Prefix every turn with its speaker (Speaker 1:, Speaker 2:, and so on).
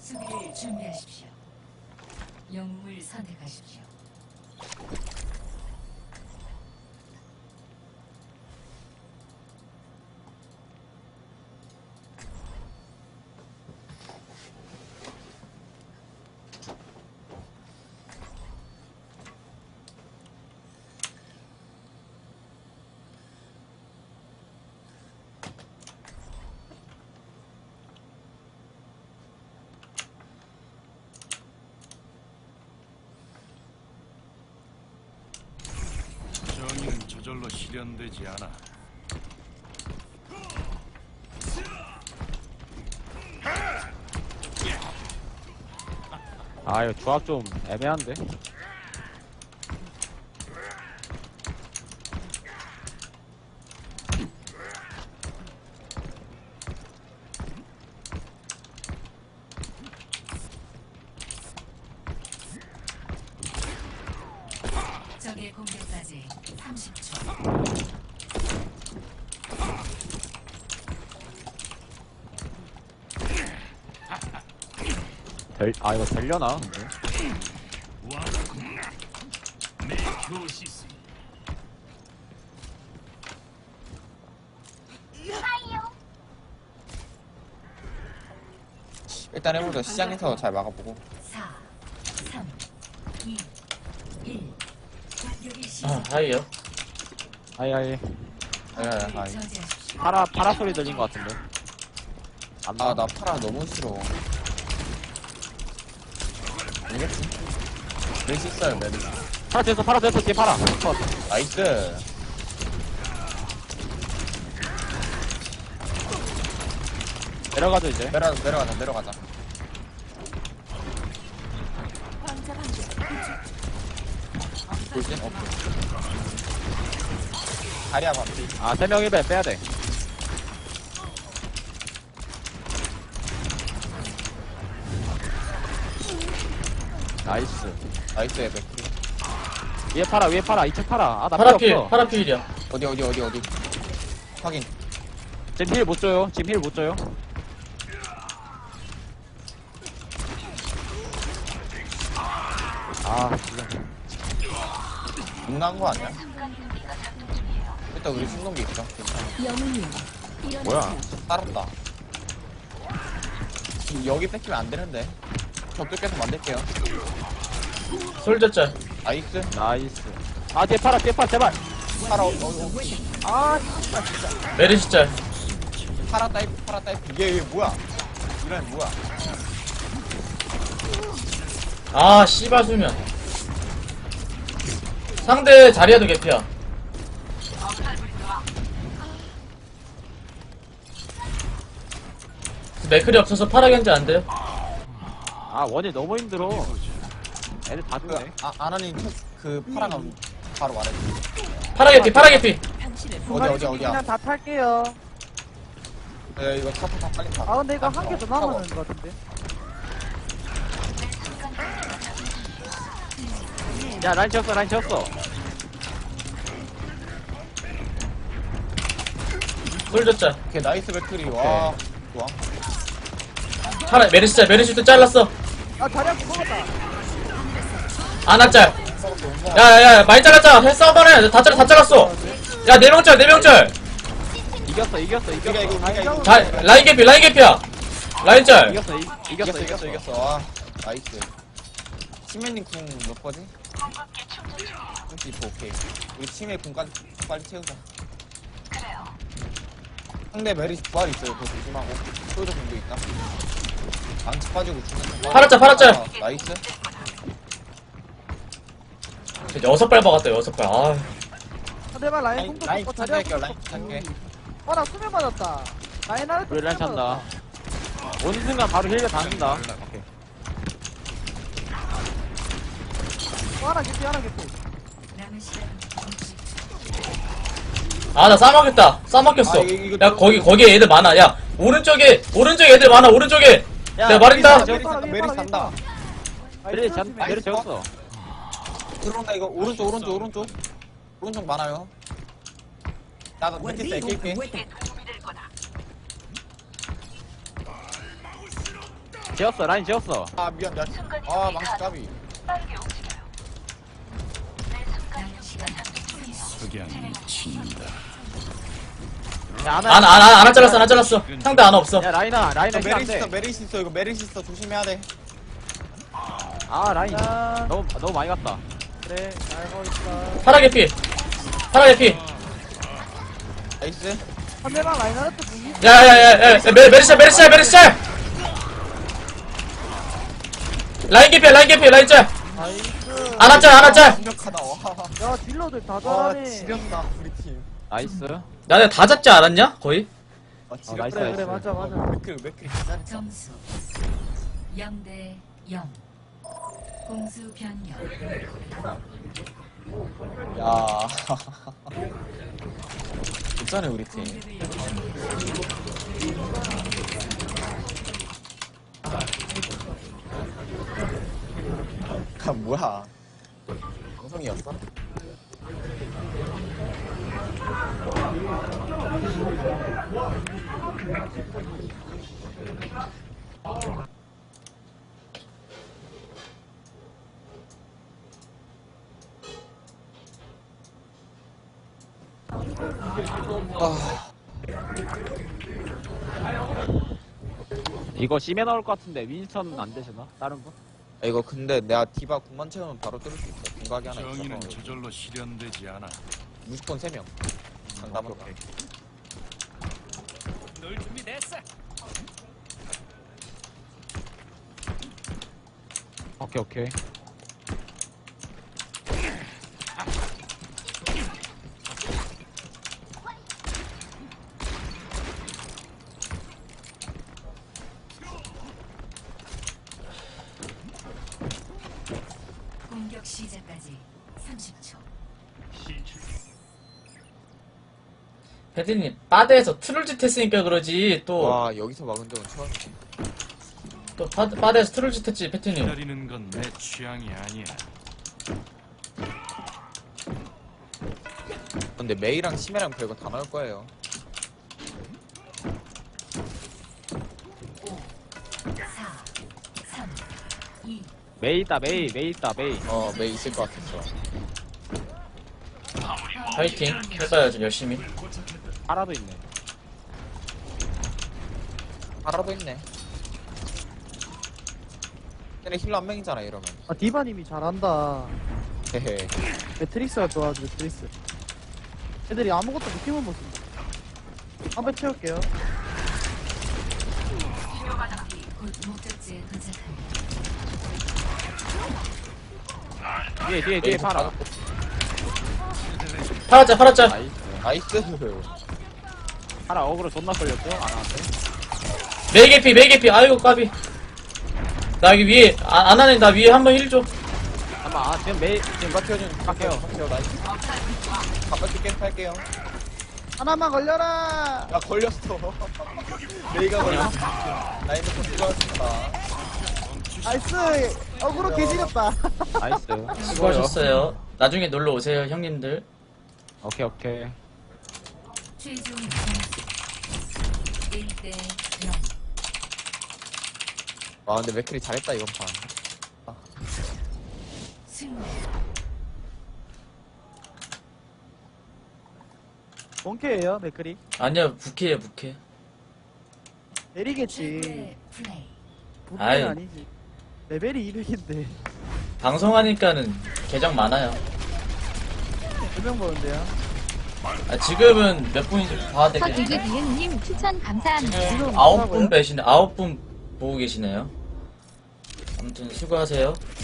Speaker 1: 수비를 준비하십시오. 영웅을 선택하십시오.
Speaker 2: 정의는 저절로 실현되지 않아.
Speaker 3: 아 이거 조합 좀 애매한데?
Speaker 1: 적의 공격까지 30초.
Speaker 3: 아 이거 되려나 근데?
Speaker 4: 일단 해보자. 시장에서 잘 막아보고.
Speaker 1: 4, 3, 2, 1. 공격이
Speaker 5: 아,
Speaker 1: 시작.
Speaker 5: 하이요.
Speaker 3: 아이
Speaker 4: 아이.
Speaker 1: 저지하십시오.
Speaker 3: 파라 소리 들린 것 같은데? 안 나.
Speaker 4: 아, 나 파라 너무 싫어. 알겠지? 메시 있어요, 메시.
Speaker 3: 파라 됐어 뒤에 파라.
Speaker 4: 나이스.
Speaker 3: 내려가죠 이제.
Speaker 4: 내려가자. 돌진? 오케이. 다리야, 반피.
Speaker 3: 아 3명 1배 빼야돼. 나이스.
Speaker 4: 나이스, 맥크리.
Speaker 3: 위에 파라 2층 파라. 아 나 필요
Speaker 5: 파라필,
Speaker 3: 없어.
Speaker 5: 파라필이야.
Speaker 4: 어디. 확인.
Speaker 3: 지금 힐 못 줘요. 아 지금
Speaker 4: 겁나는 거 아니야? 일단 우리 충동기 있어. 괜찮아.
Speaker 3: 뭐야?
Speaker 4: 살았다. 지금 여기 뺏기면 안 되는데. 저쪽 계속 만들게요.
Speaker 5: 솔저짤.
Speaker 4: 나이스.
Speaker 3: 나이스. 아 뒤에 파라 제발.
Speaker 4: 파라,
Speaker 3: 아
Speaker 5: 메르시짤.
Speaker 4: 파라 타입. 얘 뭐야? 이런 뭐야?
Speaker 5: 아, 씨발 수면. 상대 자리야도 개피야. 맥클이 없어서 파라겐지 안 돼요.
Speaker 3: 아 원이 너무 힘들어. 애들 다
Speaker 4: 그,
Speaker 3: 죽네.
Speaker 4: 아나님, 그, 파라가 바로 말해줘.
Speaker 5: 파라개피.
Speaker 4: 어디야?
Speaker 6: 그냥 다 탈게요.
Speaker 4: 네, 이거 타 빨리 타.
Speaker 6: 아 근데 이거 한 개 더 남았는 것 같은데.
Speaker 3: 야 라인 채웠어.
Speaker 5: 솔저짤.
Speaker 4: 오케이, 나이스 배터리. 와, 좋아.
Speaker 5: 메르시짤. 메르시도 잘랐어.
Speaker 6: 아 자리야 먹었다.
Speaker 5: 아나짤. 야야야, 많이 잘랐잖아. 해 싸워봐라. 다 잘랐어. 야, 4명짤.
Speaker 3: 이겼어.
Speaker 4: 이거.
Speaker 5: 자, 라인 개피야. 라인짤.
Speaker 3: 이겼어.
Speaker 4: 와, 나이스. 치매님 궁 몇 거지? 32, 오케이. 우리 치매 궁까지 빨리 채우자. 상대 메리 부활 있어요. 그거 조심하고. 소유자 궁도 있다. 망치 빠지고 죽는
Speaker 5: 파라짤.
Speaker 4: 아, 나이스.
Speaker 5: 6발 박았다, 6발. 아,
Speaker 6: 상대방 라인 공도
Speaker 4: 라인
Speaker 6: 잡고
Speaker 4: 부탁
Speaker 6: 자리야
Speaker 4: 할게요, 라인 부탁해.
Speaker 6: 어나 수면 맞았다. 라인 아래
Speaker 3: 우리 라인 찬다. 오는 순간 바로 힐을 받는다. 오케이.
Speaker 6: 하나 개피.
Speaker 1: 남은 시간 30초.
Speaker 5: 아, 나 싸먹혔어.
Speaker 4: 아, 이거
Speaker 5: 야, 거기 애들 많아. 야, 오른쪽에 애들 많아, 오른쪽에. 내가 말했다.
Speaker 4: 메리 산다.
Speaker 3: 메리 채웠어.
Speaker 4: 들어온다, 이거. 오른쪽 많아요. 나도 밑에 낄게.
Speaker 3: 지었어, 라인 지었어.
Speaker 4: 아 미안 미안. 아 망치 까비.
Speaker 1: 남은 시간 30초.
Speaker 2: 석양이 친다.
Speaker 3: 야,
Speaker 5: 안 잘랐어. 상대 안 없어.
Speaker 3: 야, 라인아
Speaker 4: 메리시
Speaker 3: 힐안
Speaker 4: 있어
Speaker 3: 돼.
Speaker 4: 메리시 있어 이거 메리시 있어 조심해야 돼.
Speaker 3: 아, 라인.
Speaker 6: 야,
Speaker 3: 너무 많이 갔다.
Speaker 6: 그래, 알고 있어.
Speaker 5: 파라 개피.
Speaker 4: 나이스.
Speaker 6: 상대방 라인하르트 무기.
Speaker 5: 야야야야 메르시아 라인 개피 라인 짤.
Speaker 6: 나이스.
Speaker 5: 안았짤.
Speaker 4: 완벽하다. 와.
Speaker 6: 야, 딜러들 다
Speaker 4: 와
Speaker 6: 잘하네.
Speaker 4: 지렸다 우리 팀.
Speaker 3: 나이스.
Speaker 5: 나네 다 잡지 않았냐 거의?
Speaker 4: 와
Speaker 3: 나이스,
Speaker 4: 지렸다.
Speaker 6: 그래, 맞아.
Speaker 4: 맥크리 진짜.
Speaker 1: 점수 0대 0. 공수 변경.
Speaker 4: 야. 괜찮네 우리 팀. 아 뭐야? 방송이었어?
Speaker 3: 이거 심해 나올 것 같은데 윈스턴 안 되시나? 다른 분?
Speaker 4: 아, 이거 근데 내가 디바 9만 채우면 바로 뚫을 수 있어. 공각이 하나
Speaker 2: 정의는
Speaker 4: 있어서
Speaker 2: 저절로 실현되지 않아.
Speaker 4: 무조건 3명. 장담은 다.
Speaker 2: 널 준비됐어.
Speaker 3: 오케이.
Speaker 1: 공격 시작까지 30초.
Speaker 5: 패드님 바드에서 트롤짓 했으니까 그러지 또
Speaker 4: 와 여기서 막은 적은 처음이지.
Speaker 5: 바드에서 트롤짓 했지 패드님.
Speaker 2: 기다리는 건 내 취향이 아니야.
Speaker 4: 근데 메이랑 심해랑 별거 다 나올 거예요.
Speaker 1: 4, 3, 2,
Speaker 3: 메이 있다. 메이.
Speaker 4: 메이 있을 것 같았어.
Speaker 5: 파이팅 해봐야죠 열심히.
Speaker 3: 파라도 있네.
Speaker 4: 바라도 있네. 걔네 힐러 한 명이잖아 이러면.
Speaker 6: 아, 디바님이 잘한다.
Speaker 4: 헤헤.
Speaker 6: 매트릭스가 좋아하죠, 매트릭스. 애들이 아무것도 느낌을 못 쓴다. 한배 채울게요.
Speaker 1: 곧 목적지에 도착합니다.
Speaker 3: 뒤에 파라.
Speaker 5: 팔았자.
Speaker 3: 나이스.
Speaker 4: 나이스.
Speaker 3: 파라 어그로 존나 걸렸죠? 안 하는데.
Speaker 5: 메이 개피. 아이고 까비. 나 여기 위에 안 하네. 나 위에 한번 힐 줘.
Speaker 3: 잠깐만. 지금 메이
Speaker 4: 누가 튀어준?
Speaker 3: 갈게요.
Speaker 4: 나이스. 가볍게 게임 할게요.
Speaker 6: 하나만 걸려라!
Speaker 4: 야 걸렸어. 메이가 걸렸어. 라인드 폰 들어왔습니다.
Speaker 6: 나이스! 어그로 개지렸다.
Speaker 3: 나이스.
Speaker 5: 수고하셨어요. 나중에 놀러 오세요 형님들.
Speaker 3: 오케이.
Speaker 1: 최종 점수 1대 0.
Speaker 4: 와 근데 맥클이 잘했다 이번 판.
Speaker 1: 승리.
Speaker 6: 본캐예요, 맥크리.
Speaker 5: 아니야 부캐야 부캐.
Speaker 6: 내리겠지.
Speaker 1: 최고의 플레이.
Speaker 5: 아이.
Speaker 6: 부캐는 아니지. 레벨이 200인데.
Speaker 5: 방송하니까는 계정 많아요.
Speaker 6: 2명 보는데요.
Speaker 5: 아, 지금은 몇 분인지 봐야 되겠네.
Speaker 7: 서기기 비은님 추천 감사합니다.
Speaker 5: 지금
Speaker 6: 지금
Speaker 5: 9분
Speaker 6: 뭐라고요?
Speaker 5: 배시네. 9분 보고 계시네요. 아무튼 수고하세요.